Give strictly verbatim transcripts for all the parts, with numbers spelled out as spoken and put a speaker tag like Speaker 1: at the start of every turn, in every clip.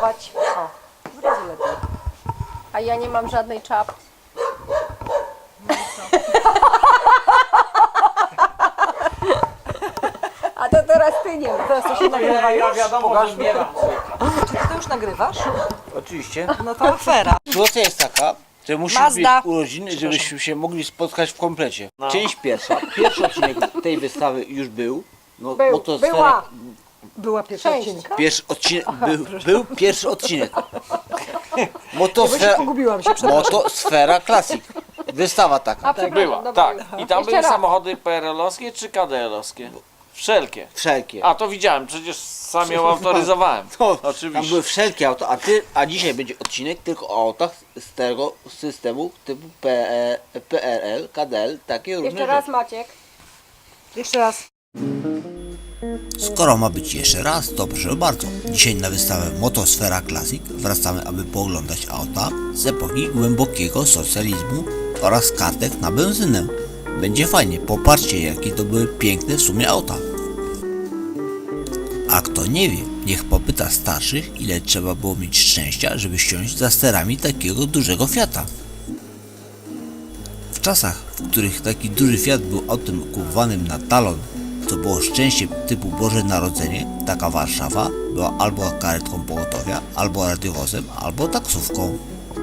Speaker 1: nagrywać.
Speaker 2: O, w razie lepiej.
Speaker 1: A ja nie mam żadnej czapki. A to teraz ty nie ma.
Speaker 2: Teraz to się nagrywa już?
Speaker 3: wiadomo,
Speaker 4: Pokaż
Speaker 3: że
Speaker 4: mi.
Speaker 3: nie mam.
Speaker 2: Czy ty to już nagrywasz?
Speaker 4: Oczywiście.
Speaker 2: No to afera.
Speaker 4: Sytuacja jest taka, że musimy
Speaker 2: Mazda.
Speaker 4: mieć urodziny, żebyśmy się mogli spotkać w komplecie. Część pierwsza. Pierwszy odcinek tej wystawy już był. No,
Speaker 1: Był,
Speaker 4: motosfera-
Speaker 1: była.
Speaker 2: Była pierwsza
Speaker 1: Część.
Speaker 2: odcinka?
Speaker 4: Pierwszy odcinek, był, był pierwszy odcinek.
Speaker 2: Bo się
Speaker 4: Motosfera,
Speaker 2: pogubiłam się, przepraszam.
Speaker 4: Motosfera Classic. Wystawa taka.
Speaker 1: A przepraszam,
Speaker 3: Była,
Speaker 1: dobra,
Speaker 3: tak.
Speaker 1: już.
Speaker 3: I tam
Speaker 1: Jeszcze
Speaker 3: były
Speaker 1: raz.
Speaker 3: samochody P R L-owskie czy K D L-owskie? Wszelkie.
Speaker 4: Wszelkie.
Speaker 3: A to widziałem, przecież sam ją autoryzowałem.
Speaker 4: To, Tam
Speaker 3: Oczywiście.
Speaker 4: były wszelkie auta, a, ty, a dzisiaj będzie odcinek tylko o autach z tego systemu typu P E, P R L, K D L, takie różne
Speaker 1: Jeszcze raz
Speaker 4: rzeczy.
Speaker 1: Maciek.
Speaker 2: Jeszcze raz.
Speaker 5: Skoro ma być jeszcze raz, to proszę bardzo. Dzisiaj na wystawę Motosfera Classic wracamy, aby pooglądać auta z epoki głębokiego socjalizmu oraz kartek na benzynę. Będzie fajnie, popatrzcie jakie to były piękne w sumie auta. A kto nie wie, niech popyta starszych, ile trzeba było mieć szczęścia, żeby siąść za sterami takiego dużego Fiata. W czasach, w których taki duży Fiat był autem kupowanym na talon, to było szczęście typu Boże Narodzenie, taka Warszawa była albo karetką pogotowia, albo radiowozem, albo taksówką.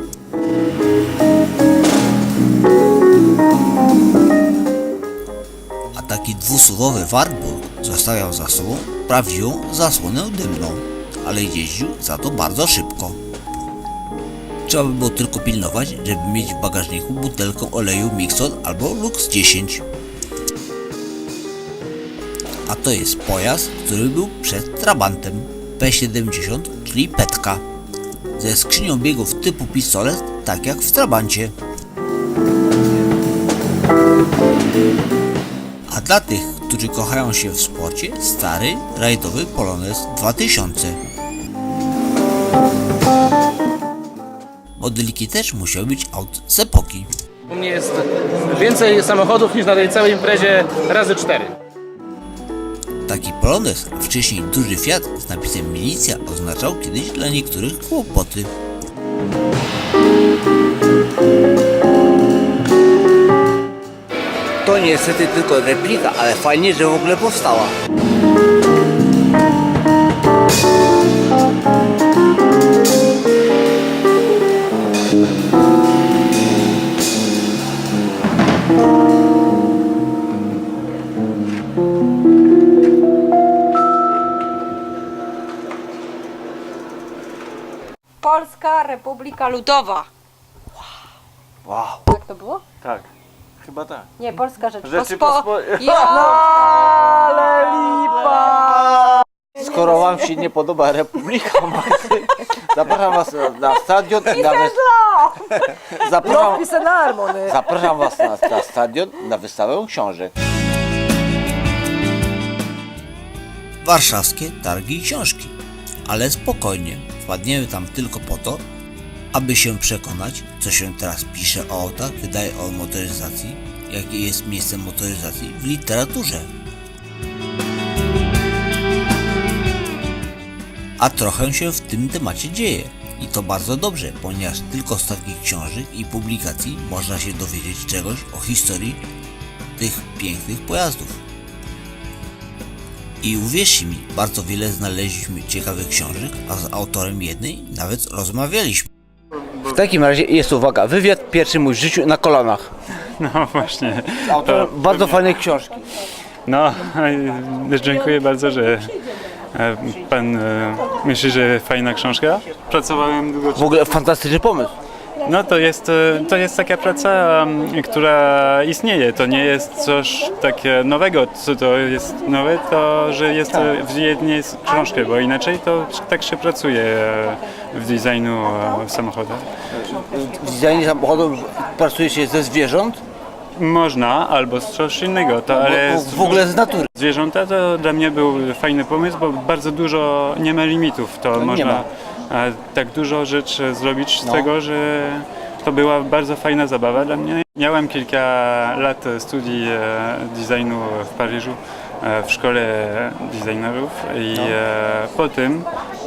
Speaker 5: A taki dwusuwowy Wartburg zostawiał za sobą prawdziwą zasłonę dymną, ale jeździł za to bardzo szybko. Trzeba by było tylko pilnować, żeby mieć w bagażniku butelkę oleju Mixon albo Lux dziesięć. A to jest pojazd, który był przed Trabantem P siedemdziesiąt, czyli Petka, ze skrzynią biegów typu pistolet, tak jak w Trabancie. A dla tych, którzy kochają się w sporcie, stary, rajdowy Polones dwa tysiące. Modeliki też musiały być aut z epoki.
Speaker 6: U mnie jest więcej samochodów niż na tej całej imprezie razy cztery.
Speaker 5: Taki Polones, a wcześniej duży Fiat z napisem milicja oznaczał kiedyś dla niektórych kłopoty.
Speaker 4: To niestety tylko replika, ale fajnie, że w ogóle powstała.
Speaker 1: Polska Republika Ludowa.
Speaker 4: Wow.
Speaker 1: Tak to było?
Speaker 3: Tak, chyba tak.
Speaker 1: Nie, Polska Rzeczpospo...
Speaker 3: Rzeczypospo-
Speaker 1: Jo!
Speaker 2: Ale lipa!
Speaker 4: Skoro wam się nie podoba Republika Malty, zapraszam was na stadion. Na wys... zapraszam,
Speaker 2: Lotpise na Armony.
Speaker 4: zapraszam was na, na stadion na wystawę książek.
Speaker 5: Warszawskie targi książki. Ale spokojnie, wpadniemy tam tylko po to, aby się przekonać, co się teraz pisze o autach, wydaje o motoryzacji, jakie jest miejsce motoryzacji w literaturze. A trochę się w tym temacie dzieje. I to bardzo dobrze, ponieważ tylko z takich książek i publikacji można się dowiedzieć czegoś o historii tych pięknych pojazdów. I uwierzcie mi, bardzo wiele znaleźliśmy ciekawych książek, a z autorem jednej nawet rozmawialiśmy.
Speaker 4: W takim razie jest uwaga, wywiad pierwszy mój w życiu na kolanach.
Speaker 7: No właśnie.
Speaker 4: Autorem bardzo fajnej książki.
Speaker 7: No, e, dziękuję bardzo, że e, pan e, myśli, że fajna książka. Pracowałem długo.
Speaker 4: W ogóle fantastyczny pomysł.
Speaker 7: No to jest, e, to jest taka praca, m, która istnieje. To nie jest coś takie nowego. Co to jest nowe, to że jest e, w jednej książce, bo inaczej to tak się pracuje e, w designu e, samochodów.
Speaker 4: W designie samochodów pracuje się ze zwierząt,
Speaker 7: Można, albo z coś innego, to, ale
Speaker 4: bo, w ogóle z natury.
Speaker 7: zwierzęta to dla mnie był fajny pomysł, bo bardzo dużo nie ma limitów. To
Speaker 4: nie
Speaker 7: można
Speaker 4: ma.
Speaker 7: e, tak dużo rzeczy zrobić z
Speaker 4: No.
Speaker 7: tego, że to była bardzo fajna zabawa dla mnie. Miałem kilka lat studii e, designu w Paryżu, e, w szkole designerów i
Speaker 4: No.
Speaker 7: e, po tym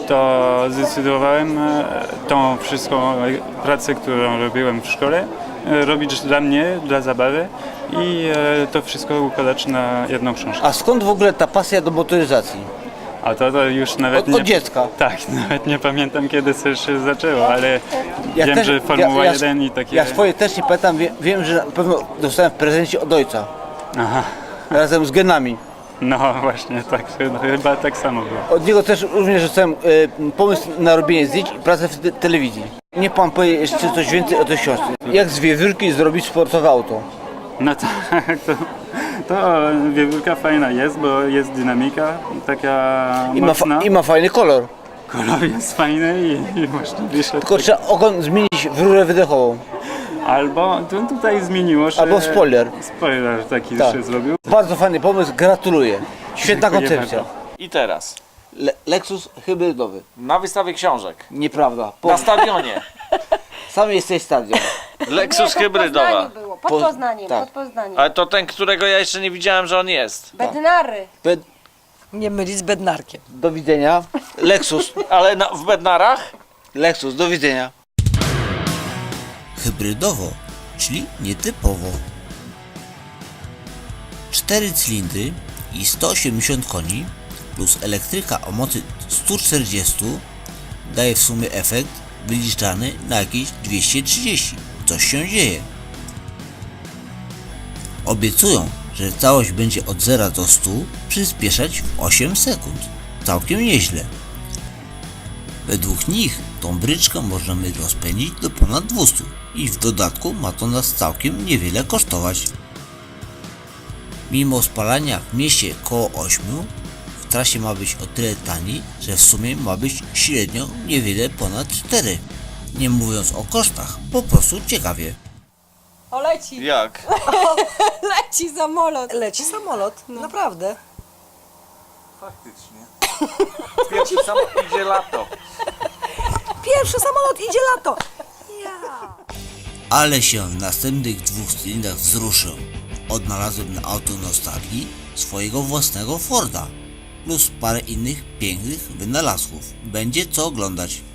Speaker 7: to zdecydowałem e, tą wszystką pracę, którą robiłem w szkole, e, robić dla mnie, dla zabawy i e, to wszystko układać na jedną książkę.
Speaker 4: A skąd w ogóle ta pasja do motoryzacji?
Speaker 7: A to, to już nawet
Speaker 4: Od,
Speaker 7: nie...
Speaker 4: od dziecka.
Speaker 7: Tak, nawet nie pamiętam kiedy to się zaczęło, ale
Speaker 4: Ja
Speaker 7: wiem,
Speaker 4: też-
Speaker 7: że Formuła
Speaker 4: ja- ja-
Speaker 7: jeden i takie...
Speaker 4: Ja swoje też nie pamiętam, wiem, wiem, że na pewno dostałem w prezencie od ojca.
Speaker 7: Aha,
Speaker 4: Razem z genami.
Speaker 7: no właśnie, tak, chyba tak samo było.
Speaker 4: Od niego też również dostałem e, pomysł na robienie zdjęć i pracę w te telewizji. Nie pan powie jeszcze coś więcej o tej książce. Jak z wiewiórki zrobić sportowe auto?
Speaker 7: No tak, to, to wiewiórka fajna jest, bo jest dynamika taka
Speaker 4: I ma,
Speaker 7: mocna.
Speaker 4: fa- I ma fajny kolor.
Speaker 7: Kolor jest fajny i, i można wyszedł.
Speaker 4: Tylko trzeba ogon zmienić w rurę wydechową.
Speaker 7: Albo tu, tutaj zmieniło się...
Speaker 4: Albo spoiler.
Speaker 7: Spoiler taki
Speaker 4: Tak.
Speaker 7: się zrobił.
Speaker 4: Bardzo fajny pomysł, gratuluję. Świetna
Speaker 7: Dziękuję
Speaker 4: koncepcja.
Speaker 7: bardzo.
Speaker 3: I teraz,
Speaker 4: Le- Lexus hybrydowy.
Speaker 3: na wystawie książek,
Speaker 4: Nieprawda. Po,
Speaker 3: na stadionie,
Speaker 4: sam jesteś stadion.
Speaker 3: Lexus
Speaker 1: Pod
Speaker 3: hybrydowa.
Speaker 1: Poznaniem było, pod
Speaker 4: Po-
Speaker 1: Poznaniem,
Speaker 4: tak.
Speaker 1: pod Poznaniem.
Speaker 3: Ale to ten, którego ja jeszcze nie widziałem, że on jest.
Speaker 1: Bednary.
Speaker 4: Be-
Speaker 2: Nie mylić z bednarkiem.
Speaker 4: do widzenia. Lexus.
Speaker 3: Ale na, w Bednarach?
Speaker 4: Lexus, do widzenia.
Speaker 5: Hybrydowo, czyli nietypowo. Cztery cylindry i sto osiemdziesiąt koni plus elektryka o mocy sto czterdzieści daje w sumie efekt wyliczany na jakieś dwieście trzydzieści. Coś się dzieje. Obiecują, że całość będzie od zera do stu przyspieszać w osiem sekund. Całkiem nieźle. Według nich tą bryczkę możemy rozpędzić do ponad dwustu i w dodatku ma to nas całkiem niewiele kosztować. Mimo spalania w mieście koło ośmiu, w trasie ma być o tyle tani, że w sumie ma być średnio niewiele ponad cztery. Nie mówiąc o kosztach, po prostu ciekawie.
Speaker 1: O, leci.
Speaker 3: Jak?
Speaker 1: Leci samolot.
Speaker 2: Leci samolot, naprawdę.
Speaker 3: Faktycznie. Pierwszy sam idzie lato.
Speaker 2: Pierwszy samolot, idzie lato.
Speaker 5: Ale się w następnych dwóch cylindrach wzruszę. Odnalazłem na auto nostalgii swojego własnego Forda, plus parę innych pięknych wynalazków. Będzie co oglądać.